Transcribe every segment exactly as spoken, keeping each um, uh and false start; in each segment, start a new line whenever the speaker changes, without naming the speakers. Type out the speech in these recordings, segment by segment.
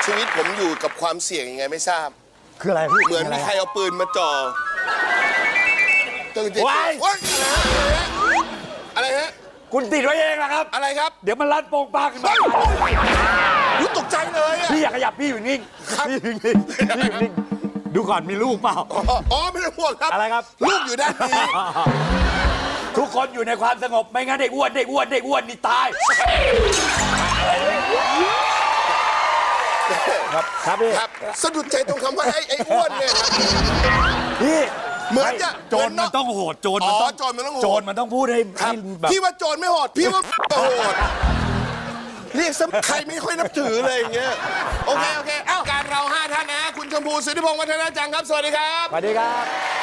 ชีวิตผมอยู่กับความเสี่ยงยังไงไม่ทราบ
คืออะไรพี่
เหมือนมีใครเอาปืนมาจ่อตึงจิต
ว้าย
ว้ายอะไรฮะ
คุณติดไว้เองนะครับ
อะไรครับ
เดี๋ยวมันรัดโป่งปากขึ้นมา
รู้ตกใจเลยอะ
พี่อย่าขยับพี่อยู่นิ่ง
ครับ
พี่อยู่นิ่งพี่อยู่นิ่งดูก่อนมีลูกเปล่า
อ๋ออ๋อไม่ต้องห่วงครับ
อะไรครับ
ลูกอยู่ด้านนี้
ทุกคนอยู่ในความสงบไม่งั้นเด็กอ้วนเด็กอ้วนเด็กอ้วนนี่ตายครับครับพี่
ครับสะดุดใจตรงคำว่าไอ้ไอ้อ้วนเนี่ยครับ
พี่
เหมือนจะ
โจรมันต้องโหดโจรมันต้อง
อ๋อโจรมันต้องโหด
โจรมันต้องพูดให้
ครับ
ให้แบบ
พี่ว่าโจรไม่โหดพี่ว่าโหดเรียกซะใครไม่ค่อยนับถือเลยอย่างเงี้ยโอเคโอเคเอ้าการเราห้าท่านนะคุณชมพูสุทธิพงศ์วัฒนาจังครับสวัสดีครับ
สวัสดีครับ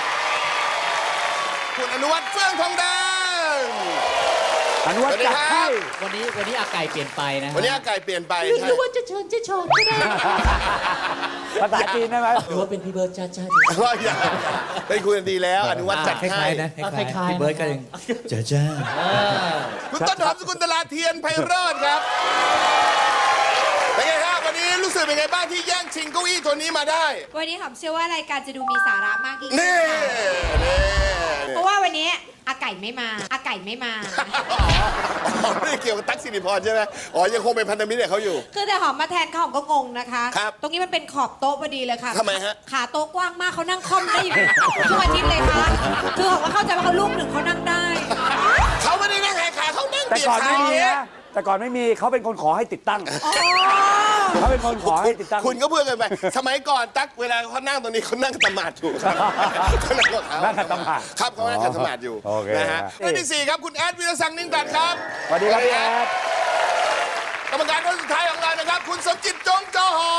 คุณอนุวัฒน์เฟื่องทองแดง
อนุวัฒน์จัดให้
วันนี้วันนี้อาไก่เปลี่ยนไปนะฮะ
วันนี้อากาศเปลี่ยนไป
หรือ
ใช่
หรือว่าจะเชิญจะโชว์ก็ได้
ภาษาจีนได้ไหม
หรือว่าเป็นพี่เบิร์ดจ้าจ้า
ว่าอย่าได้คุยกันดีแล้วอนุวัฒน์จัด
คล้า
ให้
ยๆนะค
คล้า
ล้าย ย
ๆ
ๆพี่เบิร์ดก็ยังเจ้าจ้า
คุณต้นหอมสกุลตลาเทียนไพโรจน์ครับเป็นไงครับวันนี้รู้สึกเป็นไงบ้างที่แย่งชิงเก้าอี้ตัวนี้มาได้
วันนี้หอมเชื่อว่ารายการจะดูมีสาระมากยิ่งขึ้น
นี่
ค่ะ
นี่
เพราะว่าวันนี้อาไก่ไม่มาอาไก่ไม่มา
อ๋อไม่ได้เกี่ยวกับตั๊กสิริพรใช่ไหมอ๋อยังคงเป็นพันธมิตรกับเขาอยู่
คือแต่หอมมาแทนเขาหอมก็งงนะคะ
ครับ
ตรงนี้มันเป็นขอบโต๊ะพอดีเลยค่ะ
ทำไมฮะ
ขาโต๊ะกว้างมากเขานั่งค่อมได้อยู่ทุกอาทิตย์เลยค่ะคือหอมก็เข้าใจว่าเขาลูกหนึ่งเขานั่งได้
เขาไม่ได้นั่งแหกขาเขานั่ง
แต่
เบียด
ก่อน
ขา
ไม่
อย่าง
มี
เงี้ย
นะแต่ก่อนไม่มีเขาเป็นคนขอให้ติดตั้ง
อ๋อ
เขาเป็นคนขอให้ติดตั้ง
คุณก็เพื่อนกันไป สมัยก่อนตั๊กเวลาเขานั่งตรงนี้เขานั่งตะหมาดอยู่ครับเขานั่งกับเขา
นั่งขัดสมาธิ
ครับเขานั่งขัดสมาธิอยู่
โอเค
นะฮะ
ฮะ
ท่านที่สี่ครับคุณแอดวิรศักดิ์นิ่งตัดครับ
สวัสดีครับพี่แอด
กรรมการคนสุดท้ายของเรานะครับ คุณสมจิตจงจอหอ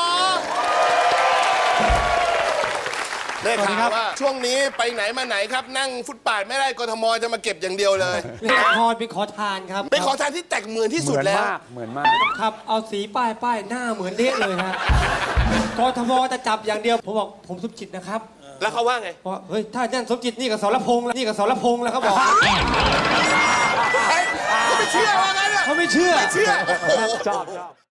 ได้ข่าวว่าช่วงนี้ไปไหนมาไหนครับ นั่งฟุตบาทไม่ได้กทมจะมาเก็บอย่างเดียวเลย
เล่นละครเป็นขอทานครับ
เป็นขอทานที่แตกเหมือนที่
เห
สุด
มือน
แล้ว
มากเหมือนมาก
ครับ เอาสีป้ายป้ายหน้าเหมือนเละเลยฮะกทมจะจับอย่างเดียว ผมบอกผมสมจิตนะครับ
แล้วเขาว่าไง
เพราะเฮ้ยถ้านั่นสมจิตนี่กับสรพงษ์แล้วนี่กับสรพงษ์แล้วเขาบอก
เฮ้ยเขาไม่เชื่อว่างั้นอะ
เขาไม่เชื่อ
ไม่เชื่อโอ้โห
ชอบชอบ